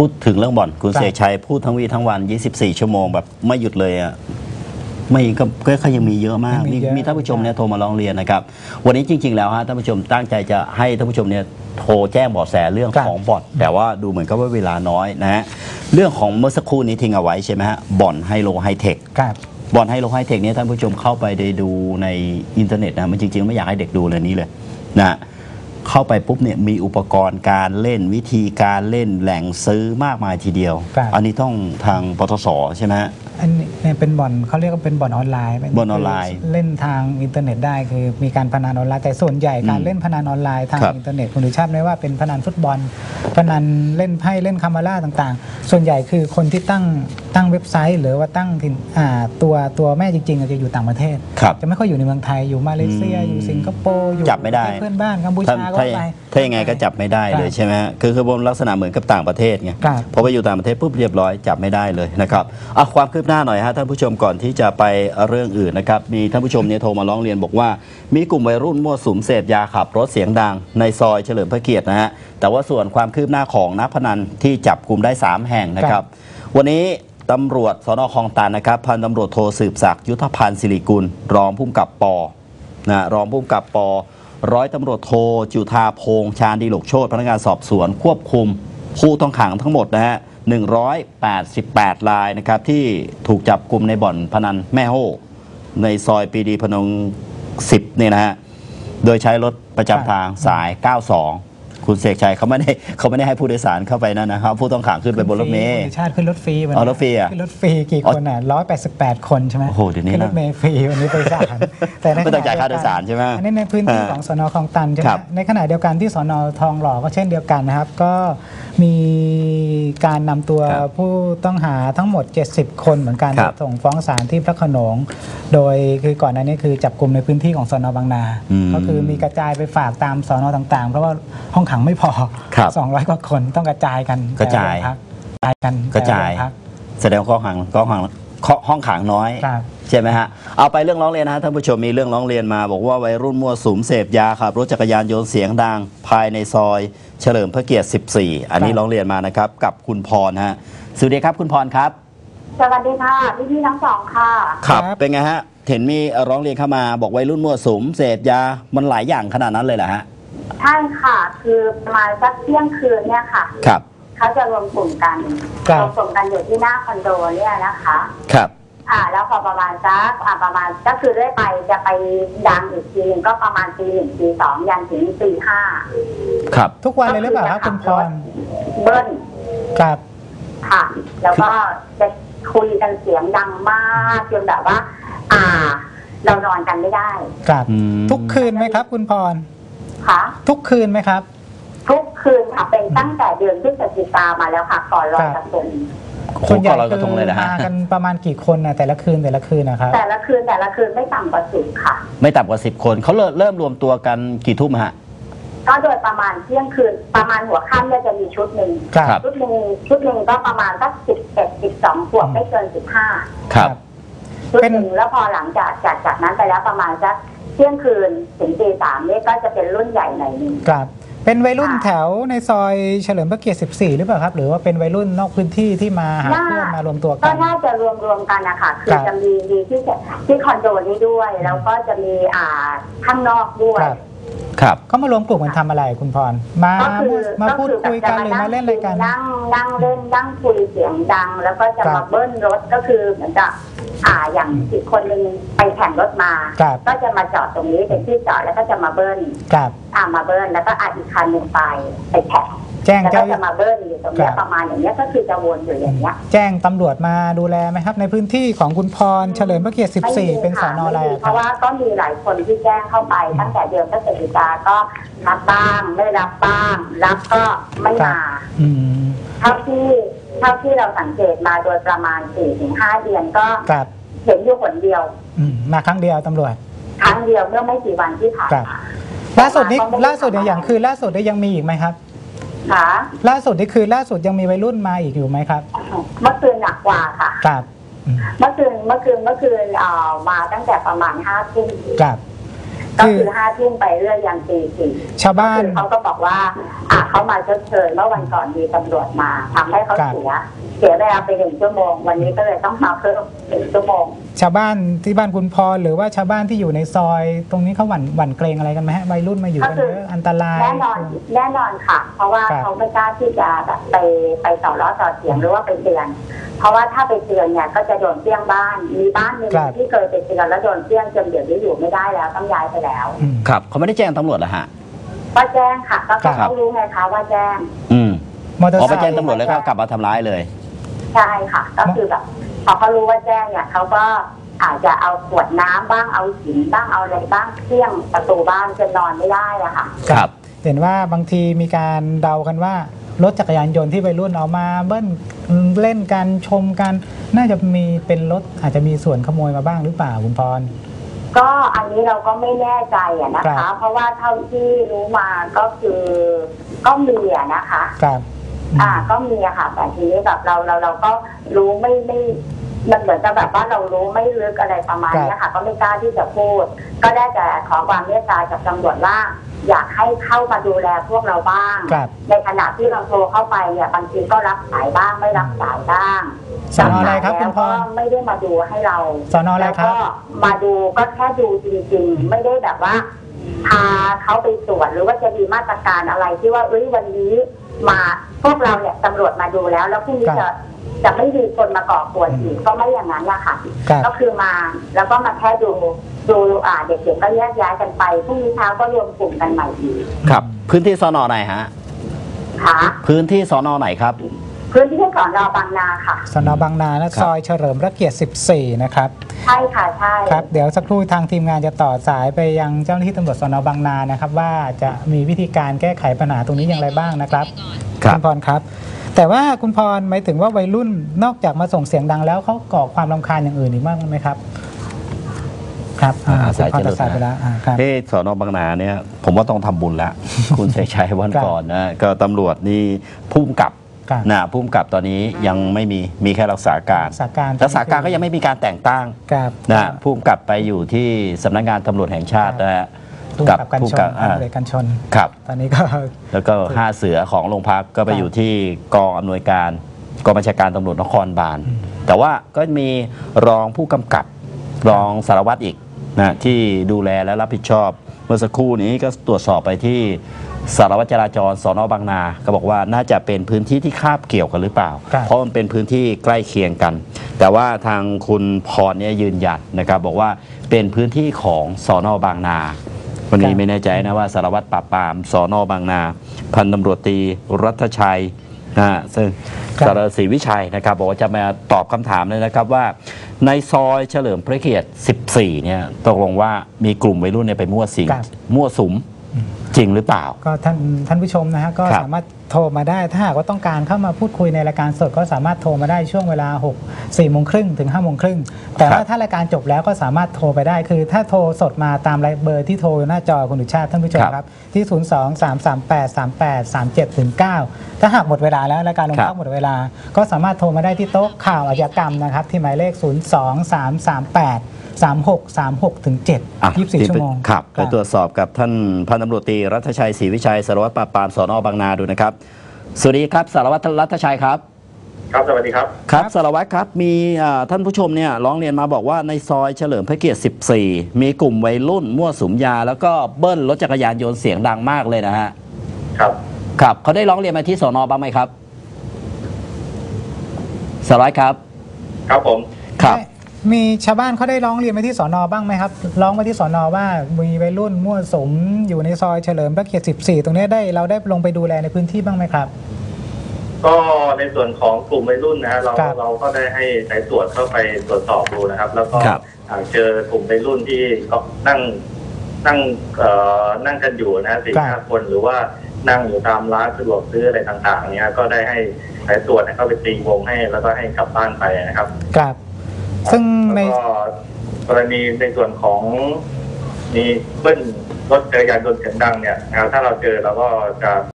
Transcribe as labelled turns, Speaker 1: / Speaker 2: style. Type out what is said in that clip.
Speaker 1: พูดถึงเรื่องบ่อนคุณเสกชัยพูดทั้งวีทั้งวัน24 ชั่วโมงแบบไม่หยุดเลยอ่ะไม่ก็ยังมีเยอะมากมีท่านผู้ชมเนี่ยโทรมาร้องเรียนนะครับวันนี้จริงๆแล้วฮะท่านผู้ชมตั้งใจจะให้ท่านผู้ชมเนี่ยโทรแจ้งเบาะแสเรื่องของบ่อนแต่ว่าดูเหมือนกับว่าเวลาน้อยนะฮะเรื่องของเมื่อสักครู่นี้ทิ้งเอาไว้ใช่ไหมฮะบ่อนไฮโลไฮเทคบ่อนไฮโลไฮเทคเนี่ยท่านผู้ชมเข้าไปได้ดูในอินเทอร์เน็ตนะมันจริงๆไม่อยากให้เด็กดูเลยนี้เลยนะเข้าไปปุ๊บเนี่ยมีอุปกรณ์การเล่นวิธีการเล่นแหล่งซื้อมากมายทีเดียวอันนี้ต้องทางปตสใช่ไหม
Speaker 2: อันนี้เป็นบ่อนเขาเรียกว่าเป็นบ่อนออนไลน์
Speaker 1: บ่อนออนไลน์
Speaker 2: เล่นทางอินเทอร์เน็ตได้คือมีการพนันออนไลน์แต่ส่วนใหญ่การเล่นพนันออนไลน์ทางอินเทอร์เน็ตคุณดูชาติไหมว่าเป็นพนันฟุตบอลพนันเล่นไพ่เล่นคามาร่าต่างๆส่วนใหญ่คือคนที่ตั้งเว็บไซต์หรือว่าตั้งตัวแม่จริงๆจะอยู่ต่างประเทศจะไม่ค่อยอยู่ในเมืองไทยอยู่มาเลเซียอยู่สิงคโปร์อยู่
Speaker 1: จับไม่ได้
Speaker 2: เพื่อนบ้านกัมพูชาก็ไป
Speaker 1: ถ้ายังไงก็จับไม่ได้เลยใช่ไหมคือบนลักษณะเหมือนกับต่างประเทศไงพอไปอยู่ต่างประเทศปุ๊บเรียบร้อยจับไม่ได้เลยนะครับความคืบหน้าหน่อยฮะท่านผู้ชมก่อนที่จะไปเรื่องอื่นนะครับมีท่านผู้ชมเนี่ยโทรมาร้องเรียนบอกว่ามีกลุ่มวัยรุ่นมั่วสุมเสพยาขับรถเสียงดังในซอยเฉลิมพระเกียรตินะฮะแต่ว่าส่วนความคืบหน้าของนักพนันที่จับกลุ่มได้3แห่งนะครับวันนี้ตำรวจสน.คลองตันนะครับพันตำรวจโทสืบศักดิ์ยุทธพันธ์ศิริกุลรองผู้กำกับป.รองผู้กำกับป.ร้อยตำรวจโทจุธาพงษ์ชาญดีหลกโชติพนักงานสอบสวนควบคุมผู้ต้องขังทั้งหมดนะฮะ188 รายนะครับที่ถูกจับกลุ่มในบ่อนพนันแม่โห่ในซอยปรีดีพนง10เนี่ยนะฮะโดยใช้รถประจำทางสาย 92 คุณเสกชัยเขาไม่ได้ให้ผู้โดยสารเข้าไปนั่นนะครับผู้ต้องขังขึ้นไปบนรถเมล์
Speaker 2: ชาติขึ้นรถฟรี
Speaker 1: รถฟรี
Speaker 2: ขึ้นรถฟรีกี่คนอ่ะ188 คนใช่ไหม
Speaker 1: โอ้โหเดี๋ยวนี้
Speaker 2: ขึ้นรถเมล์ฟรีวันนี้ไปศาล
Speaker 1: แต่ไม่ต้องจ่ายค่าโดยสารใช่ไหม
Speaker 2: อันนี้ในพื้นที่ของสน.คลองตันใช่ไหมในขณะเดียวกันที่สน.ทองหล่อก็เช่นเดียวกันนะครับก็มีการนำตัวผู้ต้องหาทั้งหมด70 คนเหมือนกันส่งฟ้องศาลที่พระโขนงโดยคือก่อนหน้านี้คือจับกลุ่มในพื้นที่ของสน.บางนาก็คือมีกระจายไปฝากตามสน.ต่างๆเพราะว่าห้องขังไม่พอ200 กว่าคนต้องกระจายกัน
Speaker 1: กระจายแสดงห้องขังน้อยใช่ไหมฮะเอาไปเรื่องร้องเรียนนะท่านผู้ชมมีเรื่องร้องเรียนมาบอกว่าวัยรุ่นมั่วสุมเสพยาขับรถจักรยานยนต์เสียงดังภายในซอยเฉลิมพระเกียรติ14อันนี้ร้องเรียนมานะครับกับคุณพรฮะสวัสดีครับคุณพรครับ
Speaker 3: สวัสดีค่ะพี่ทั้งสองค่ะ
Speaker 1: ครับเป็นไงฮะเห็นมีร้องเรียนเข้ามาบอกวัยรุ่นมั่วสุมเสพยามันหลายอย่างขนาดนั้นเลยเหรอฮะ
Speaker 3: ใช่ค่ะคือประมาณสักเที่ยงคืนเนี่ยค่ะ
Speaker 1: ครับ
Speaker 3: เขาจะรวมกลุ่มกันอยู่ที่หน้าคอนโดเนี่ยนะคะ
Speaker 1: ครับ
Speaker 3: แล้วพอประมาณสักประมาณก็คือได้ไปจะไปดังอีกทีนึงก็ประมาณตี 1 ตี 2ยันถึงตี 5
Speaker 1: ครับ
Speaker 2: ทุกวันเลยหรือเปล่าครับคุณพร
Speaker 3: เบิ้ล
Speaker 2: ครับ
Speaker 3: ค่ะแล้วก็จะคุยกันเสียงดังมากจนแบบว่าเรานอนกันไม่ได้
Speaker 2: ครับทุกคืนไหมครับคุณพร
Speaker 3: ค่ะ
Speaker 2: ทุกคืนไหมครับ
Speaker 3: ทุกคืนค่ะเป็นตั้งแต่เดือนพฤศจิกามาแล้วค่ะก่อนลอยกระทง
Speaker 2: ส่วนใหญ่คือมากันประมาณกี่คนนะแต่ละคืนนะครับ
Speaker 3: แต่ละคืนไม่ต่ำกว่า10ค่ะ
Speaker 1: ไม่ต่ำกว่า10 คนเขาเริ่มรวมตัวกันกี่ทุ่มฮะ
Speaker 3: ก็โดยประมาณเที่ยงคืนประมาณหัวค่ำเนี่ยจะมีชุดหนึ่งชุดหนึ่งก็ประมาณสัก11-12 ขวบไม่เกิน15
Speaker 1: ครับ
Speaker 3: ชุดหนึ่งแล้วพอหลังจากนั้นไปแล้วประมาณสักเที่ยงคืนถึงตี 3เนี่ยก็จะเป็นรุ่นใหญ่หน่อยนึง
Speaker 2: ครับเป็นวัยรุ่นแถวในซอยเฉลิมพระเกียรติ14หรือเปล่าครับหรือว่าเป็นวัยรุ่นนอกพื้นที่ที่มาหาเพื่อนมารวมตัวกัน
Speaker 3: ก็น่าจะรวมกันนะคะคือจะมีที่คอนโดนี้ด้วยแล้วก็จะมีข้างนอกด้วย
Speaker 1: ครับ
Speaker 2: เขามารวมกลุ่มกันทำอะไรคุณพรมาพูดคุยกันหรือมาเล่นอะไรกัน
Speaker 3: นั่งเล่นนั่งคุยเสียงดังแล้วก็จะมาเบิ้ลรถก็คือเหมือนกับอย่างอีกคนนึงไปแข่งรถมาก็จะมาจอดตรงนี้เป็นที่จอดแล้วก็จะมาเบิ้ลมาเบิ้ลแล้วก็อีกคันหนึ่งไปแข่งแล้วก็จะมาเบิ้ลอยู่ตรงนี้ประมาณอย่างนี้ก็คือจะวนอยู่อย่างนี้
Speaker 2: แจ้งตำรวจมาดูแลไหมครับในพื้นที่ของคุณพรเฉลิมพระเกียรติ14เป็นสน.อะไร
Speaker 3: เพราะว่าก็มีหลายคนที่แจ้งเข้าไปตั้งแต่เดือนพฤศจิกาก็รับบ้างไม่รับบ้างรับก็ไม่มาเท่าที่เราสังเกตมาโดยประมาณ 4-5 เดือนก็เห็นอยู่คนเดียว
Speaker 2: มาครั้งเดียวตำรวจ
Speaker 3: ครั้งเดียวเมื่อไม่กี่วันที่ผ่านมา
Speaker 2: ล่าสุดอย่างคือล่าสุดได้ยังมีอีกไหมครับล่าสุดนี่คือล่าสุดยังมีวัยรุ่นมาอีกอยู่ไหมครับ
Speaker 3: เมื่อคืนหนักกว่าค่ะ
Speaker 2: ครับ
Speaker 3: เมื่อคืนมาตั้งแต่ประมาณ5 ทุ่ม
Speaker 2: ครับ
Speaker 3: ก็คือ5 ทุ่มไปเรื่อยยันตี 4
Speaker 2: ชาวบ้าน
Speaker 3: เขาก็บอกว่าเขามาชดเชยเมื่อวันก่อนมีตำรวจมาทำให้เขาเสียเวลาไป1 ชั่วโมงวันนี้ก็เลยต้องมาเพิ่ม1 ชั่วโมง
Speaker 2: ชาวบ้านที่บ้านคุณพรหรือว่าชาวบ้านที่อยู่ในซอยตรงนี้เขาหวั่นเกรงอะไรกันไหมฮะวัยรุ่นมาอยู่กันเยอะอันตราย
Speaker 3: แน่นอนค่ะเพราะว่าเขาไม่กล้าที่จะแบบไปต่อล้อต่อเสียงหรือว่าไปเตือนเพราะว่าถ้าไปเตือนเนี่ยก็จะโดนเปี้ยงบ้านมีบ้านหนึ่งที่เคยไปเตือนแล้วโดนเปี้ยงจนเดี๋ยวนี้อยู่ไม่ได้แล้วต้องย้ายไปแล้ว
Speaker 1: ครับเขาไม่ได้แจ้งตำรวจเหรอฮะ
Speaker 3: ว่าแจ้งค่ะก็เขารู้ไงคะว่าแจ้ง
Speaker 1: พอไปแจ้งตำรวจแล้วก็กลับมาทำร้ายเลย
Speaker 3: ใช่ค่ะก็คือแบบพอเขารู้ว่าแจ้งเนี่ยเขาก็อาจจะเอาขวดน้ำบ้างเอาหินบ้างเอาอะไรบ้างเที่ยงประตูบ้านจนนอนไม่ได้อะค่ะ
Speaker 2: ครับเห็นว่าบางทีมีการเดากันว่ารถจักรยานยนต์ที่วัยรุ่นเอามาเบิ้ลเล่นกันชมกันน่าจะมีเป็นรถอาจจะมีส่วนขโมยมาบ้างหรือเปล่าคุณพร
Speaker 3: ก็อันนี้เราก็ไม่แน่ใจนะคะเพราะว่าเท่าที่รู้มาก็คือก็มีนะคะ
Speaker 2: ครับ
Speaker 3: ก็มีค่ะแต่ทีนี้แบบเราก็รู้ไม่มันเหมือนกับแบบว่าเรารู้ไม่ลึกอะไรประมาณนี้ค่ะก็ไม่กล้าที่จะพูดก็ได้แต่ขอความเมตตาจากตำรวจว่าอยากให้เข้ามาดูแลพวกเราบ้างในขณะที่เราโทรเข้าไปเนี่ยบางทีก็รับสายบ้างไม่รับสายบ้าง
Speaker 2: สน.อะไรครับคุณพร
Speaker 3: ไม่ได้มาดูให้เรา
Speaker 2: สน.อะไรครับ
Speaker 3: ก็มาดูก็แค่ดูจริงๆไม่ได้แบบว่าพาเขาไปตรวจหรือว่าจะมีมาตรการอะไรที่ว่าวันนี้มาพวกเราเนี่ยตำรวจมาดูแล้วพรุ่งนี้จะไม่มีคนมาก่อกวนอีกก็ไม่อย่างนั้นแหละค่ะก็คือมาแล้วก็มาแค่ดูเด็กๆก็แยกย้ายกันไปพรุ่งนี้เช้าก็รวมกลุ่มกันใหม่อีก
Speaker 1: ครับพื้นที่สน.ไหนฮะ
Speaker 3: ค่ะ
Speaker 1: พื้นที่สน.ไหนครับ
Speaker 3: พื้นที่สน.บางนาค่ะ
Speaker 2: สน.บางนาและซอยเฉลิมพระเกียรติ14นะครับ
Speaker 3: ใช่ค่ะใช่
Speaker 2: ครับเดี๋ยวสักครู่ทางทีมงานจะต่อสายไปยังเจ้าหน้าที่ตำรวจสน.บางนานะครับว่าจะมีวิธีการแก้ไขปัญหาตรงนี้อย่างไรบ้างนะครับคุณพรครับแต่ว่าคุณพรหมายถึงว่าวัยรุ่นนอกจากมาส่งเสียงดังแล้วเขาก่อความรำคาญอย่างอื่นอีกบ้างไหมครับครับ
Speaker 1: สายจะไปแล้วสน.บางนาเนี่ยผมว่าต้องทำบุญแล้วคุณชัยชัยวันก่อนนะก็ตำรวจนี่พุ่มกับพุ่มกับตอนนี้ยังไม่มีแค่รักษาการก็ยังไม่มีการแต่งตั้งพุ่มกับไปอยู่ที่สำนักงานตำรวจแห่งชาตินะฮะ
Speaker 2: กับผู้กับกันชน
Speaker 1: ครับ
Speaker 2: ตอนนี้ก็
Speaker 1: แล้วก็5 เสือของโรงพักก็ไปอยู่ที่กองอำนวยการกองบัญชาการตำรวจนครบาลแต่ว่าก็มีรองผู้กำกับรองสารวัตรอีกนะที่ดูแลและรับผิดชอบเมื่อสักครู่นี้ก็ตรวจสอบไปที่สารวัตรจราจรสน.บางนาก็บอกว่าน่าจะเป็นพื้นที่ที่คาบเกี่ยวกันหรือเปล่าเพราะมันเป็นพื้นที่ใกล้เคียงกันแต่ว่าทางคุณพรเนี่ยยืนยันนะครับบอกว่าเป็นพื้นที่ของสน.บางนาวันนี้ไม่แน่ใจนะว่าสารวัตรปราบปรามสน.บางนาพันตำรวจตรีรัฐชัยซึ่งสารศรีวิชัยนะครับบอกว่าจะมาตอบคำถามเลยนะครับว่าในซอยเฉลิมพระเกียรติ14เนี่ยตกลงว่ามีกลุ่มวัยรุ่นไปมั่วสุมจริงหรือเปล่า
Speaker 2: ก็ท่านผู้ชมนะฮะก็สามารถโทรมาได้ถ้าหากว่าต้องการเข้ามาพูดคุยในรายการสดก็สามารถโทรมาได้ช่วงเวลา4 โมงครึ่งถึง5 โมงครึ่งแต่ว่าถ้ารายการจบแล้วก็สามารถโทรไปได้คือถ้าโทรสดมาตามเบอร์ที่โทรหน้าจอคุณดุชาติท่านผู้ชมครับที่02-338-3837-9ถ้าหากหมดเวลาแล้วรายการลงพักหมดเวลาก็สามารถโทรมาได้ที่โต๊ะข่าวอาชญากรรมนะครับที่หมายเลข02-338-3636 ถึง 7 24 ชั่วโมง
Speaker 1: ครับไปตรวจสอบกับท่านพันตำรวจตรีรัฐชัยศรีวิชัยสารวัตรปราบปรามสน.บางนาดูนะครับสวัสดีครับสารวัตรรัฐชัยครับ
Speaker 4: ครับสวัสดีครับ
Speaker 1: ครับสารวัตรครับมีท่านผู้ชมเนี่ยร้องเรียนมาบอกว่าในซอยเฉลิมพระเกียรติ14มีกลุ่มวัยรุ่นมั่วสุมยาแล้วก็เบิ้ลรถจักรยานยนต์เสียงดังมากเลยนะฮะครับเขาได้ร้องเรียนมาที่สน.บ้างไหมครับสารวัตรครับ
Speaker 4: ครับผม
Speaker 1: ครับ
Speaker 2: มีชาวบ้านเขาได้ร้องเรียนมาที่สน.บ้างไหมครับร้องมาที่สน.ว่ามีวัยรุ่นมั่วสุมอยู่ในซอยเฉลิมพระเกียรติ14ตรงนี้เราได้ลงไปดูแลในพื้นที่บ้างไหมครับ
Speaker 4: ก็ในส่วนของกลุ่มวัยรุ่นนะฮะเราก็ได้ให้สายตรวจเข้าไปตรวจสอบดูนะครับแล้วก็เจอกลุ่มวัยรุ่นที่ก็นั่งกันอยู่นะฮะ4-5 คนหรือว่านั่งอยู่ตามร้านสะดวกซื้ออะไรต่างๆเนี่ยก็ได้ให้สายตรวจเข้าไปตีวงให้แล้วก็ให้กลับบ้านไปนะครับ
Speaker 2: ครับซึ่งใน
Speaker 4: กรณีในส่วนของมีเบิ้ลรถจักรยานยนต์เสียงดังเนี่ยถ้าเราเจอเราก็จะ